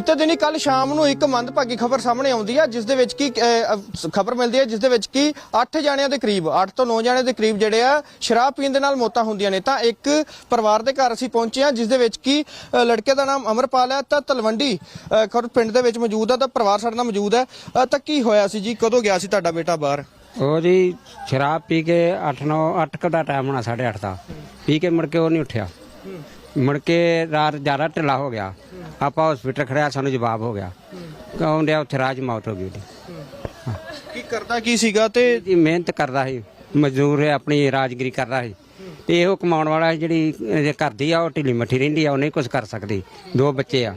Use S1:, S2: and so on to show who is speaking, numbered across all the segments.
S1: ਬੀਤੇ ਦਿਨੀ ਕੱਲ ਸ਼ਾਮ ਨੂੰ ਇੱਕ ਮੰਦਭਾਗੀ ਖਬਰ ਸਾਹਮਣੇ ਆਉਂਦੀ ਹੈ ਜਿਸ ਦੇ ਵਿੱਚ ਕੀ ਖਬਰ ਮਿਲਦੀ ਹੈ ਜਿਸ ਦੇ ਵਿੱਚ ਕੀ 8 ਜਣਿਆਂ ਦੇ ਕਰੀਬ 8 ਤੋਂ 9 ਜਣਿਆਂ ਦੇ ਕਰੀਬ ਜਿਹੜੇ ਆ ਸ਼ਰਾਬ ਪੀਣ ਦੇ ਨਾਲ ਮੌਤਾਂ ਹੁੰਦੀਆਂ ਨੇ। ਤਾਂ ਇੱਕ ਪਰਿਵਾਰ ਦੇ ਘਰ ਅਸੀਂ ਪਹੁੰਚੇ ਹਾਂ ਜਿਸ ਦੇ ਵਿੱਚ ਕੀ ਲੜਕੇ ਦਾ ਨਾਮ ਅਮਰਪਾਲ ਹੈ ਤਾਂ ਤਲਵੰਡੀ ਖੁਰਦ ਪਿੰਡ ਦੇ ਵਿੱਚ ਮੌਜੂਦ ਹੈ ਤਾਂ ਪਰਿਵਾਰ ਸਾਡੇ ਨਾਲ ਮੌਜੂਦ ਹੈ। ਤਾਂ ਕੀ ਹੋਇਆ ਸੀ ਜੀ, ਕਦੋਂ ਗਿਆ ਸੀ ਤੁਹਾਡਾ ਬੇਟਾ ਬਾਹਰ?
S2: ਉਹ ਜੀ ਸ਼ਰਾਬ ਪੀ ਕੇ 8 ਦਾ ਟਾਈਮ ਹੋਣਾ 8:30 ਦਾ ਪੀ ਕੇ ਮੁੜ ਕੇ ਉਹ ਨਹੀਂ ਉੱਠਿਆ। ਮੁੜ ਕੇ ਰਾਤ ਜ਼ਿਆਦਾ ਢਿੱਲਾ ਹੋ ਗਿਆ। ਆਪਾਂ ਹਸਪੀਟਲ ਖੜਿਆ, ਸਾਨੂੰ ਜਵਾਬ ਹੋ ਗਿਆ ਕਹਿੰਦੇ ਉੱਥੇ ਰਾਜ ਮੌਤ ਹੋ ਗਈ ਉਹਦੀ।
S1: ਕੀ ਕਰਦਾ ਕੀ ਸੀਗਾ? ਤੇ
S2: ਮਿਹਨਤ ਕਰਦਾ ਸੀ, ਮਜ਼ਦੂਰ ਹੈ, ਆਪਣੀ ਰਾਜਗਰੀ ਕਰਦਾ ਸੀ ਤੇ ਇਹੋ ਕਮਾਉਣ ਵਾਲਾ ਜਿਹੜੀ ਘਰ ਦੀ ਆ ਉਹ ਢਿੱਲੀ ਮੱਠੀ ਰਹਿੰਦੀ ਆ, ਉਹ ਨਹੀਂ ਕੁਝ ਕਰ ਸਕਦੀ। ਦੋ ਬੱਚੇ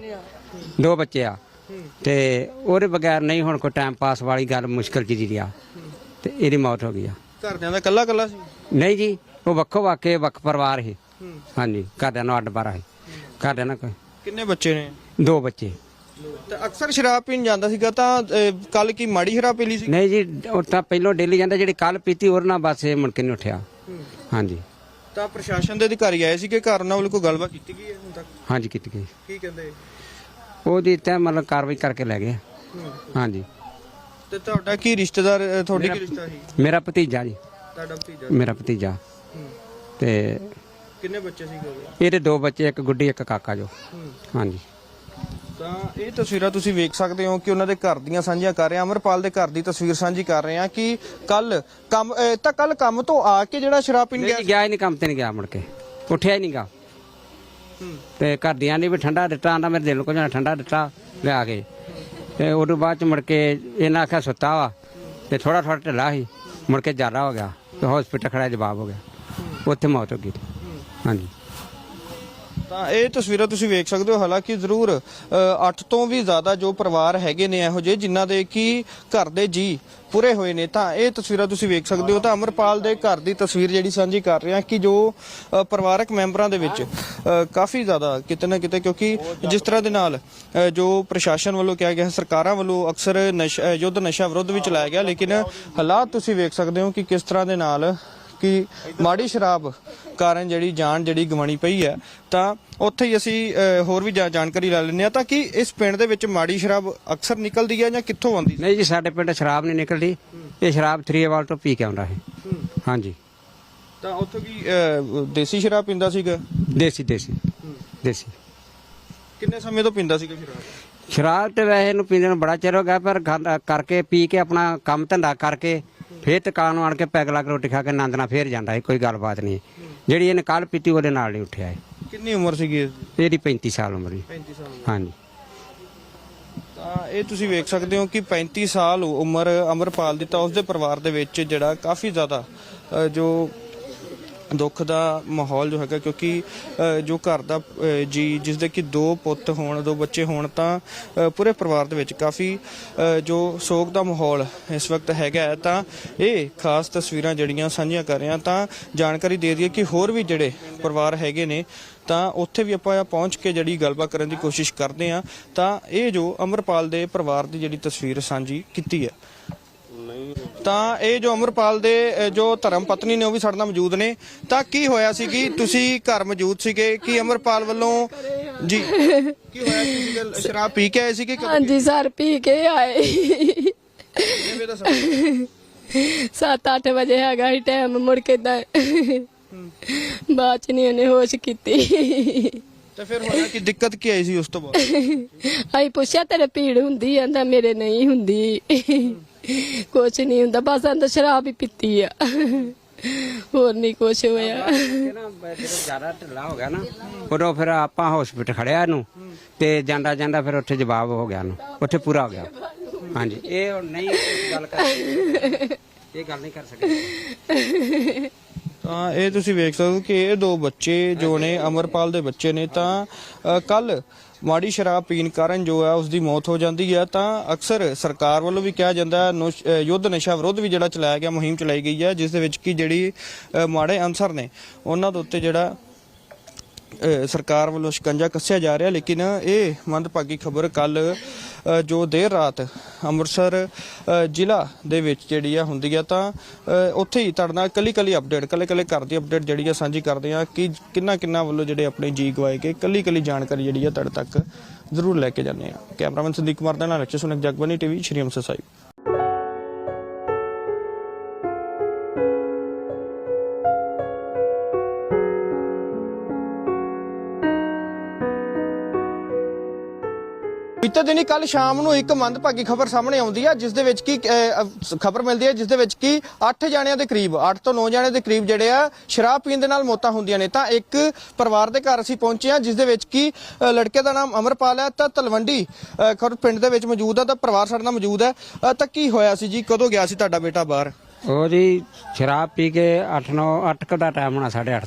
S2: ਆ ਤੇ ਉਹਦੇ ਬਗੈਰ ਨਹੀਂ ਹੁਣ ਕੋਈ ਟਾਈਮ ਪਾਸ ਵਾਲੀ ਗੱਲ ਮੁਸ਼ਕਲ ਜੀ ਰਿਹਾ ਤੇ ਇਹਦੀ ਮੌਤ ਹੋ ਗਈ ਆ।
S1: ਘਰਦਿਆਂ ਦਾ ਕੱਲਾ ਸੀ?
S2: ਨਹੀਂ ਜੀ, ਉਹ ਵੱਖ ਪਰਿਵਾਰ ਸੀ। ਹਾਂਜੀ, ਘਰਦਿਆਂ ਨੂੰ ਅੱਡ ਬਾਰਾ ਸੀ। ਘਰਦਿਆਂ ਨਾਲ
S1: ਕਿੰਨੇ ਬੱਚੇ ਨੇ?
S2: 2 ਬੱਚੇ।
S1: ਤੇ ਅਕਸਰ ਸ਼ਰਾਬ ਪੀਣ ਜਾਂਦਾ ਸੀਗਾ ਤਾਂ ਕੱਲ ਕੀ ਮਾੜੀ ਸ਼ਰਾਬ ਪੀ ਲਈ ਸੀ?
S2: ਨਹੀਂ ਜੀ, ਉਹ ਤਾਂ ਪਹਿਲਾਂ ਡੇਲੀ ਜਾਂਦਾ, ਜਿਹੜੀ ਕੱਲ ਪੀਤੀ ਉਹਦੇ ਨਾਲ ਬਸ ਇਹ ਮੁੜ ਕੇ ਨਹੀਂ ਉੱਠਿਆ। ਹਾਂਜੀ।
S1: ਤਾਂ ਪ੍ਰਸ਼ਾਸਨ ਦੇ ਅਧਿਕਾਰੀ ਆਏ ਸੀ ਕਿ ਘਰ ਉਹਨਾਂ ਵੱਲ ਕੋਈ ਗੱਲਬਾਤ ਕੀਤੀ ਗਈ ਹੈ ਹੁਣ ਤੱਕ?
S2: ਹਾਂਜੀ ਕੀਤੀ ਗਈ।
S1: ਕੀ ਕਹਿੰਦੇ?
S2: ਉਹਦੀ ਤਾਂ ਮਤਲਬ ਕਾਰਵਾਈ ਕਰਕੇ ਲੈ ਗਏ। ਹਾਂਜੀ।
S1: ਤੇ ਤੁਹਾਡਾ ਕੀ ਰਿਸ਼ਤੇਦਾਰ, ਤੁਹਾਡੀ ਕੀ ਰਿਸ਼ਤਾ ਸੀ?
S2: ਮੇਰਾ ਭਤੀਜਾ ਜੀ।
S1: ਤੁਹਾਡਾ ਭਤੀਜਾ?
S2: ਮੇਰਾ ਭਤੀਜਾ। ਤੇ
S1: ਕਿੰਨੇ ਬੱਚੇ ਸੀਗੇ?
S2: ਇਹਦੇ 2 ਬੱਚੇ, ਇੱਕ ਗੁੱਡੀ ਇੱਕ ਕਾਕਾ ਜੋ। ਹਾਂਜੀ।
S1: ਤਾਂ ਇਹ ਤਸਵੀਰਾਂ ਤੁਸੀਂ ਵੇਖ ਸਕਦੇ ਹੋ ਕਿ ਉਹਨਾਂ ਦੇ ਘਰ ਦੀਆਂ ਸਾਂਝੀਆਂ ਕਰ ਰਹੇ ਹਾਂ। ਅਮਰਪਾਲ ਦੇ ਘਰ ਦੀ ਤਸਵੀਰ ਸਾਂਝੀ ਕਰ ਰਹੇ ਹਾਂ ਕਿ ਕੱਲ ਕੰਮ ਤੋਂ ਆ ਕੇ ਜਿਹੜਾ ਸ਼ਰਾਬ ਪੀਣ
S2: ਗਿਆ ਹੀ ਨਹੀਂ, ਕੰਮ ਤੇ ਨਹੀਂ ਗਿਆ, ਮੁੜ ਕੇ ਉੱਠਿਆ ਹੀ ਨਹੀਂ ਗਾ। ਤੇ ਘਰਦਿਆਂ ਨੇ ਵੀ ਠੰਡਾ ਦਿੱਤਾ, ਆਂਦਾ ਮੇਰੇ ਦਿਲ ਨੂੰ ਕੁਝ ਠੰਡਾ ਦਿੱਤਾ ਲਿਆ ਕੇ। ਤੇ ਉਦੋਂ ਬਾਅਦ ਚ ਮੁੜ ਕੇ ਇਹਨਾਂ ਆਖਿਆ ਸੁੱਤਾ ਵਾ ਤੇ ਥੋੜਾ ਢਿੱਲਾ ਸੀ, ਮੁੜ ਕੇ ਜ਼ਿਆਦਾ ਹੋ ਗਿਆ ਤੇ ਹਸਪੀਟਲ ਖੜਾ, ਜਵਾਬ ਹੋ ਗਿਆ, ਉੱਥੇ ਮੌਤ ਹੋ ਗਈ। ਹਾਂਜੀ।
S1: ਤਾਂ ਇਹ ਤਸਵੀਰਾਂ ਤੁਸੀਂ ਵੇਖ ਸਕਦੇ ਹੋ। ਹਾਲਾਂਕਿ ਜ਼ਰੂਰ 8 ਤੋਂ ਵੀ ਜ਼ਿਆਦਾ ਜੋ ਪਰਿਵਾਰ ਹੈਗੇ ਨੇ ਇਹੋ ਜਿਹੇ ਜਿਨ੍ਹਾਂ ਦੇ ਕਿ ਘਰ ਦੇ ਜੀ ਪੂਰੇ ਹੋਏ ਨੇ। ਤਾਂ ਇਹ ਤਸਵੀਰਾਂ ਤੁਸੀਂ ਵੇਖ ਸਕਦੇ ਹੋ। ਤਾਂ ਅਮਰਪਾਲ ਦੇ ਘਰ ਦੀ ਤਸਵੀਰ ਜਿਹੜੀ ਸਾਂਝੀ ਕਰ ਰਹੇ ਹਾਂ ਕਿ ਜੋ ਪਰਿਵਾਰਕ ਮੈਂਬਰਾਂ ਦੇ ਵਿੱਚ ਕਾਫੀ ਜ਼ਿਆਦਾ ਕਿਤੇ ਨਾ ਕਿਤੇ, ਕਿਉਂਕਿ ਜਿਸ ਤਰ੍ਹਾਂ ਦੇ ਨਾਲ ਜੋ ਪ੍ਰਸ਼ਾਸਨ ਵੱਲੋਂ ਕਿਹਾ ਗਿਆ, ਸਰਕਾਰਾਂ ਵੱਲੋਂ ਅਕਸਰ ਯੁੱਧ ਨਸ਼ਾ ਵਿਰੁੱਧ ਵੀ ਚਲਾਇਆ ਗਿਆ, ਲੇਕਿਨ ਹਾਲਾਤ ਤੁਸੀਂ ਵੇਖ ਸਕਦੇ ਹੋ ਕਿ ਕਿਸ ਤਰ੍ਹਾਂ ਦੇ ਨਾਲ ਕਿ ਮਾੜੀ ਸ਼ਰਾਬ ਕਾਰਨ ਜਿਹੜੀ ਜਾਨ ਜਿਹੜੀ ਗਵਾਣੀ ਪਈ ਹੈ। ਤਾਂ ਉੱਥੇ ਹੀ ਅਸੀਂ ਹੋਰ ਵੀ ਜਾਣਕਾਰੀ ਲੈ ਲੈਂਦੇ ਹਾਂ। ਤਾਂ ਕਿ ਇਸ ਪਿੰਡ ਦੇ ਵਿੱਚ ਮਾੜੀ ਸ਼ਰਾਬ ਅਕਸਰ ਨਿਕਲਦੀ ਹੈ ਜਾਂ ਕਿੱਥੋਂ ਆਉਂਦੀ?
S2: ਨਹੀਂ ਜੀ, ਸਾਡੇ ਪਿੰਡ ਸ਼ਰਾਬ ਨਹੀਂ ਨਿਕਲਦੀ। ਇਹ ਸ਼ਰਾਬ 3 ਵਾਲ ਤੋਂ ਪੀ ਕੇ ਆਉਂਦਾ ਹੈ। ਹਾਂਜੀ।
S1: ਤਾਂ ਉੱਥੋਂ ਕੀ ਦੇਸੀ ਸ਼ਰਾਬ ਪੀਂਦਾ ਸੀਗਾ?
S2: ਦੇਸੀ।
S1: ਕਿੰਨੇ ਸਮੇਂ ਤੋਂ ਪੀਂਦਾ ਸੀਗਾ ਸ਼ਰਾਬ?
S2: ਸ਼ਰਾਬ ਤੇ ਵੈਸੇ ਇਹਨੂੰ ਪੀਂਦੇ ਨੂੰ ਬੜਾ ਚਿਰ ਹੋ ਗਿਆ, ਪਰ ਕਰਕੇ ਪੀ ਕੇ ਆਪਣਾ ਕੰਮ ਧੰਦਾ ਕਰਕੇ ਫੇਰ ਦੁਕਾਨ ਨੂੰ ਆਣ ਕੇ ਪੈਗ ਲਾ ਕੇ ਰੋਟੀ ਖਾ ਕੇ ਆਨੰਦ ਨਾਲ ਫੇਰ ਜਾਂਦਾ ਹੈ। ਕੋਈ ਗੱਲਬਾਤ ਨਹੀਂ। ਜਿਹੜੀ ਇਹਨੇ ਕੱਲ ਪੀਤੀ ਉਹਦੇ ਨਾਲ ਨਹੀਂ ਉੱਠਿਆ ਹੈ।
S1: ਕਿੰਨੀ ਉਮਰ ਸੀਗੀ
S2: ਇਹਦੀ? 35 ਸਾਲ ਉਮਰ ਜੀ।
S1: 35 ਸਾਲ।
S2: ਹਾਂਜੀ।
S1: ਤਾਂ ਇਹ ਤੁਸੀਂ ਵੇਖ ਸਕਦੇ ਹੋ ਕਿ 35 ਸਾਲ ਉਮਰ ਅਮਰਪਾਲ ਦੀ। ਤਾਂ ਉਸਦੇ ਪਰਿਵਾਰ ਦੇ ਵਿੱਚ ਜਿਹੜਾ ਕਾਫੀ ਜ਼ਿਆਦਾ ਜੋ ਦੁੱਖ ਦਾ ਮਾਹੌਲ ਜੋ ਹੈਗਾ, ਕਿਉਂਕਿ ਜੋ ਘਰ ਦਾ ਜੀ ਜਿਸ ਦੇ ਕਿ 2 ਪੁੱਤ ਹੋਣ, 2 ਬੱਚੇ ਹੋਣ, ਤਾਂ ਪੂਰੇ ਪਰਿਵਾਰ ਦੇ ਵਿੱਚ ਕਾਫੀ ਜੋ ਸੋਗ ਦਾ ਮਾਹੌਲ ਇਸ ਵਕਤ ਹੈਗਾ ਹੈ। ਤਾਂ ਇਹ ਖਾਸ ਤਸਵੀਰਾਂ ਜਿਹੜੀਆਂ ਸਾਂਝੀਆਂ ਕਰ ਰਹੇ ਹਾਂ। ਤਾਂ ਜਾਣਕਾਰੀ ਦੇ ਦਈਏ ਕਿ ਹੋਰ ਵੀ ਜਿਹੜੇ ਪਰਿਵਾਰ ਹੈਗੇ ਨੇ ਤਾਂ ਉੱਥੇ ਵੀ ਆਪਾਂ ਪਹੁੰਚ ਕੇ ਜਿਹੜੀ ਗੱਲਬਾਤ ਕਰਨ ਦੀ ਕੋਸ਼ਿਸ਼ ਕਰਦੇ ਹਾਂ। ਤਾਂ ਇਹ ਜੋ ਅਮਰਪਾਲ ਦੇ ਪਰਿਵਾਰ ਦੀ ਜਿਹੜੀ ਤਸਵੀਰ ਸਾਂਝੀ ਕੀਤੀ ਹੈ। ਤਾਂ ਇਹ ਜੋ ਅਮਰਪਾਲ ਦੇ ਜੋ ਧਰਮ ਪਤਨੀ ਨੇ ਉਹ ਵੀ ਸਾਡੇ ਨਾਲ ਮੌਜੂਦ ਨੇ। ਤਾਂ ਕੀ ਹੋਇਆ ਸੀ ਕਿ ਤੁਸੀਂ ਘਰ ਮੌਜੂਦ ਸੀਗੇ ਕਿ ਅਮਰਪਾਲ ਵੱਲੋਂ ਜੀ ਕੀ ਹੋਇਆ? ਤੁਸੀਂ ਸ਼ਰਾਬ ਪੀ ਕੇ ਆਏ ਸੀ ਕਿ?
S3: ਹਾਂਜੀ ਸਰ, ਪੀ ਕੇ ਆਏ। 7-8 ਵਜੇ ਹੈਗਾ ਹੀ ਟਾਈਮ। ਮੁੜ ਕੇ ਬਾਅਦ ਚ ਨਹੀਂ ਉਹਨੇ ਹੋਸ਼ ਕੀਤੀ।
S1: ਤੇ ਫਿਰ ਹੋਇਆ ਕਿ ਦਿੱਕਤ ਕੀ ਆਈ ਸੀ ਉਸ ਤੋਂ ਬਾਅਦ?
S3: ਅਸੀਂ ਪੁੱਛਿਆ ਤੇਰੇ ਭੀੜ ਹੁੰਦੀ? ਕਹਿੰਦਾ ਮੇਰੇ ਨਹੀਂ ਹੁੰਦੀ, ਕੁਛ ਨਹੀਂ ਹੁੰਦਾ, ਬਸ ਅੰਦਰ ਸ਼ਰਾਬ ਹੀ ਪੀਤੀ ਆ, ਹੋਰ ਨਹੀਂ ਕੁਛ ਹੋਇਆ।
S2: ਜਦੋਂ ਜ਼ਿਆਦਾ ਢਿੱਲਾ ਹੋ ਗਿਆ ਨਾ, ਉਦੋਂ ਫਿਰ ਆਪਾਂ ਹਸਪੀਟਲ ਖੜਿਆ ਇਹਨੂੰ ਤੇ ਜਾਂਦਾ ਫਿਰ ਉੱਥੇ ਜਵਾਬ ਹੋ ਗਿਆ, ਉੱਥੇ ਪੂਰਾ ਹੋ ਗਿਆ। ਹਾਂਜੀ। ਇਹ ਹੁਣ ਨਹੀਂ ਗੱਲ ਨਹੀਂ ਕਰ ਸਕਦੇ।
S1: ਤਾਂ ਇਹ ਤੁਸੀਂ ਵੇਖ ਸਕਦੇ ਹੋ ਕਿ ਇਹ 2 ਬੱਚੇ ਜੋ ਨੇ ਅਮਰਪਾਲ ਦੇ ਬੱਚੇ ਨੇ। ਤਾਂ ਕੱਲ ਮਾੜੀ ਸ਼ਰਾਬ ਪੀਣ ਕਾਰਨ ਜੋ ਹੈ ਉਸ ਦੀ ਮੌਤ ਹੋ ਜਾਂਦੀ ਹੈ। ਤਾਂ ਅਕਸਰ ਸਰਕਾਰ ਵੱਲੋਂ ਵੀ ਕਿਹਾ ਜਾਂਦਾ ਯੁੱਧ ਨਸ਼ਾ ਵਿਰੁੱਧ ਵੀ ਜਿਹੜਾ ਚਲਾਇਆ ਗਿਆ, ਮੁਹਿੰਮ ਚਲਾਈ ਗਈ ਹੈ, ਜਿਸ ਦੇ ਵਿੱਚ ਕਿ ਜਿਹੜੀ ਮਾੜੇ ਅਨਸਰ ਨੇ ਉਹਨਾਂ ਦੇ ਉੱਤੇ ਜਿਹੜਾ ਸਰਕਾਰ ਵੱਲੋਂ ਸ਼ਿਕੰਜਾ ਕੱਸਿਆ ਜਾ ਰਿਹਾ। ਲੇਕਿਨ ਇਹ ਮੰਦਭਾਗੀ ਖਬਰ ਕੱਲ ਜੋ ਦੇਰ ਰਾਤ ਅੰਮ੍ਰਿਤਸਰ ਜ਼ਿਲ੍ਹਾ ਦੇ ਵਿੱਚ ਜਿਹੜੀ ਆ ਹੁੰਦੀ ਆ ਤਾਂ ਉੱਥੇ ਹੀ ਤੁਹਾਡੇ ਨਾਲ ਕੱਲੀ ਅਪਡੇਟ ਕੱਲੇ ਘਰ ਦੀ ਅਪਡੇਟ ਜਿਹੜੀ ਆ ਸਾਂਝੀ ਕਰਦੇ ਆ ਕਿ ਕਿੰਨਾ ਵੱਲੋਂ ਜਿਹੜੇ ਆਪਣੇ ਜੀ ਗਵਾਏ ਗਏ ਕੱਲੀ ਜਾਣਕਾਰੀ ਜਿਹੜੀ ਆ ਤੁਹਾਡੇ ਤੱਕ ਜ਼ਰੂਰ ਲੈ ਕੇ ਜਾਂਦੇ ਆ। ਕੈਮਰਾਮੈਨ ਸੰਦੀਪ ਕੁਮਾਰ ਦੇ ਨਾਲ ਰਚੇ ਸੁਨਕ ਜਗਬਾਨੀ ਟੀਵੀ ਸ਼੍ਰੀ ਅੰਮ੍ਰਿਤਸਰ ਸਾਹਿਬ। ਬੀਤੇ ਦਿਨੀ ਕੱਲ ਸ਼ਾਮ ਨੂੰ ਇੱਕ ਮੰਦਭਾਗੀ ਖਬਰ ਸਾਹਮਣੇ ਆਉਂਦੀ ਹੈ ਜਿਸ ਦੇ ਵਿੱਚ ਕੀ ਖਬਰ ਮਿਲਦੀ ਹੈ ਜਿਸ ਦੇ ਵਿੱਚ ਕੀ 8 ਜਣਿਆਂ ਦੇ ਕਰੀਬ 8 ਤੋਂ 9 ਜਣਿਆਂ ਦੇ ਕਰੀਬ ਜਿਹੜੇ ਆ ਸ਼ਰਾਬ ਪੀਣ ਦੇ ਨਾਲ ਮੌਤਾਂ ਹੁੰਦੀਆਂ ਨੇ। ਤਾਂ ਇੱਕ ਪਰਿਵਾਰ ਦੇ ਘਰ ਅਸੀਂ ਪਹੁੰਚੇ ਹਾਂ ਜਿਸ ਦੇ ਵਿੱਚ ਕੀ ਲੜਕੇ ਦਾ ਨਾਮ ਅਮਰਪਾਲ ਹੈ ਤਾਂ ਤਲਵੰਡੀ ਖੁਰਦ ਪਿੰਡ ਦੇ ਵਿੱਚ ਮੌਜੂਦ ਹੈ ਤਾਂ ਪਰਿਵਾਰ ਸਾਡੇ ਨਾਲ ਮੌਜੂਦ ਹੈ। ਤਾਂ ਕੀ ਹੋਇਆ ਸੀ ਜੀ, ਕਦੋਂ ਗਿਆ ਸੀ ਤੁਹਾਡਾ ਬੇਟਾ ਬਾਹਰ?
S2: ਉਹ ਜੀ ਸ਼ਰਾਬ ਪੀ ਕੇ 8 ਦਾ ਟਾਈਮ ਹੋਣਾ 8:30